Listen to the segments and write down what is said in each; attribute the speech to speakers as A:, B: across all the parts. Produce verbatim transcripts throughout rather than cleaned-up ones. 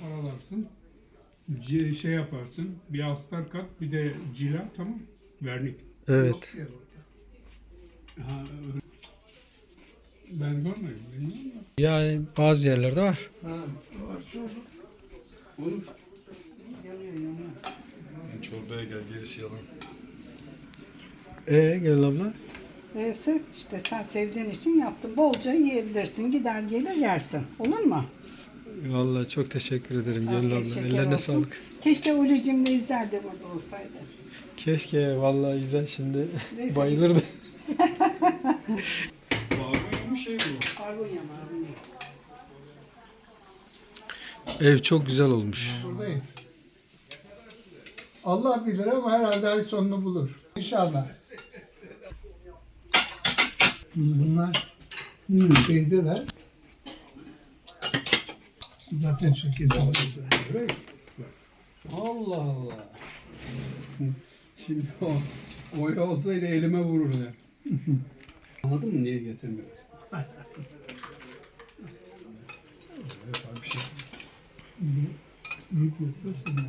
A: paralarsın. C şey yaparsın. Bir astar kat, bir de cila, tamam. Vernik.
B: Evet.
A: Ha, öyle. Ben görmedim. Bilmiyorum da.
B: Yani bazı yerlerde var.
A: Ha, var çok. Olur. Yanıyor, yanıyor.
C: Çorbaya gel, gerisi yalan.
B: Ee gel abla.
D: Neyse işte sen sevdiğin için yaptım. Bolca yiyebilirsin. Gider gelir yersin. Olur mu?
B: Vallahi çok teşekkür ederim Gönül
D: Afiyet
B: abla.
D: şeker
B: Ellerine
D: olsun.
B: sağlık.
D: Keşke Ulucim'le izler de burada olsaydı.
B: Keşke vallahi güzel şimdi
D: Neyse.
B: bayılırdı.
A: Barbunya mı şey bu?
D: Barbunya barbunya.
B: Ev çok güzel olmuş.
E: Buradayız. Allah bilir ama herhalde ay sonunu bulur. İnşallah. Bunlar hmm, şeydeler. Zaten şirketin.
A: Öyle. Allah Allah. Şimdi o öyle olsaydı elime vururdu. Anladın mı niye getirmiyoruz? Evet, bir şey.
E: Büyük yapıyorsun.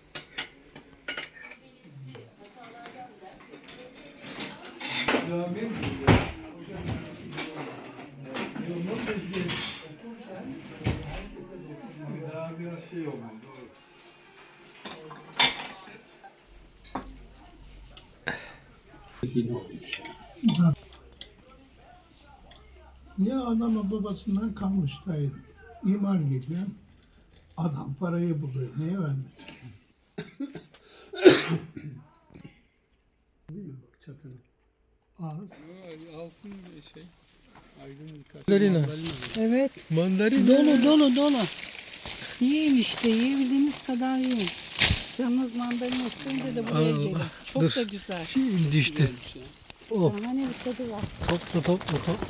E: Abi.
C: Daha biraz şey olmalı.
A: Yine olmuş.
E: Ya adama babasından kalmış dayı. İmar geliyor. Adam parayı buluyor. Neye vermesin?
A: Çatını.
E: Az.
A: Alsın bir şey. Aydın birkaç.
B: Mandalina.
D: Evet.
B: Mandalina.
D: Dolu dolu dolu. Yiyin işte. Yiyebildiğiniz kadar yiyin. Canınız mandalina isteyince de buraya
B: Allah.
D: gelin. Çok
B: Dur.
D: da güzel.
B: Şimdi düştü. Oh.
D: Şahane bir tadı var.
B: Topla topla topla.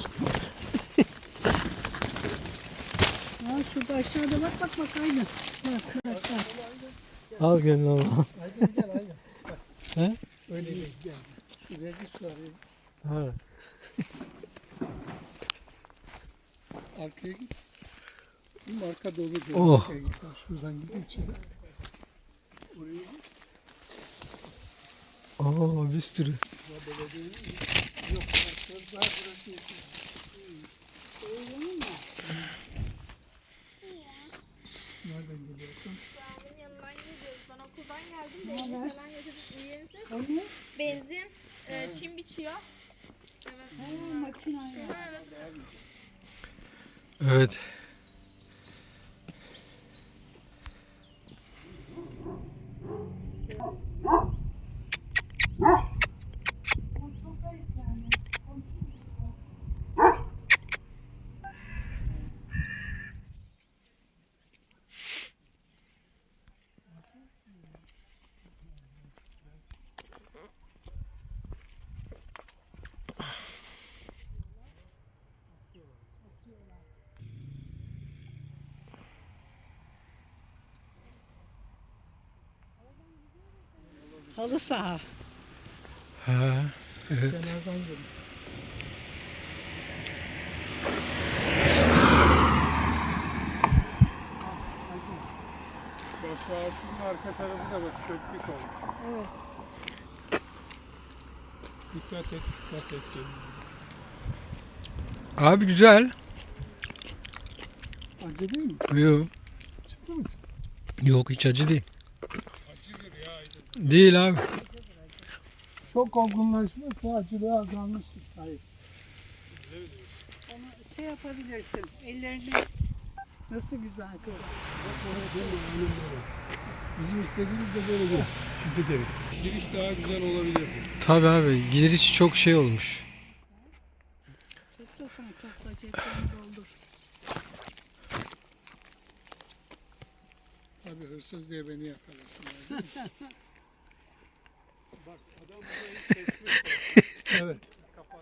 D: Ya şurada aşağıda bak bak bak aynı. Bak bak bak.
B: Al Gönül abla.
E: Hadi gel hadi.
B: He?
E: Öyle değil gel. Şuraya git şuraya.
B: Ha.
E: Arkaya git. Şimdi arka dolu diyor.
B: Oh.
E: Arkaya git. Ha, şuradan gidin içeri. Oraya git.
B: Aa bir sürü.
E: Yok. Daha burası yeter. Nereden geliyorsun?
F: Babamın yanından geliyoruz. Ben okuldan geldim. Benzin falan götürdük. İyi misiniz? Benzin, e, çim biçiyor. Evet. Ha, evet.
B: Evet.
D: Halı saha.
B: Ha. Evet.
E: Kenardan gelin.
A: Bak şu ağaçın arka tarafı da bak çöplük olmuş.
D: Evet.
A: Dikkat et, dikkat et.
B: Abi güzel.
E: Acı değil mi?
B: Yok.
E: Ciddi misin?
B: Yok hiç acı değil.
A: Acıdır ya Aydın.
B: Değil abi.
E: Çok olgunlaşmışsa acılığı azalmıştır. Hayır.
D: Onu şey yapabilirsin. Ellerini nasıl güzel kız.
A: Bizim istediğimiz de böyle bir çifte devir. Giriş daha güzel olabilir.
B: Tabii abi giriş çok şey olmuş.
D: Toplasana topla ceplerini doldur.
E: Tabii hırsız diye beni yakalasınlar.
A: Bak adam burayı kesmiş.
E: Evet.
A: Kapat.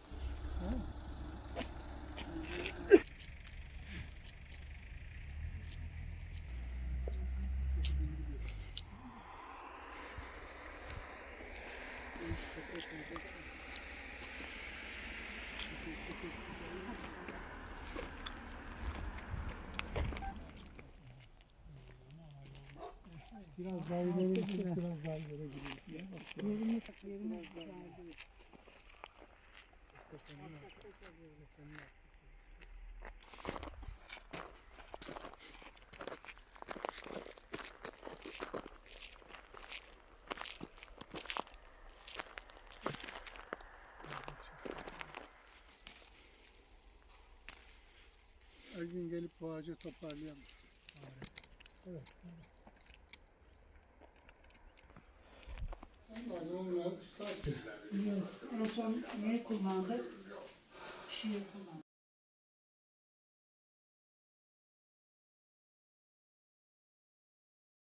E: Biraz daha ileri gitsek biraz daha ileri gidiyoruz.
D: Yerimiz, yerimiz güzel değil.
E: Her gün gelip bu ağacı toparlayalım. Evet. Sen o zaman tutarsın.
D: Yok. En son neye kullandık? Şiir kullandık.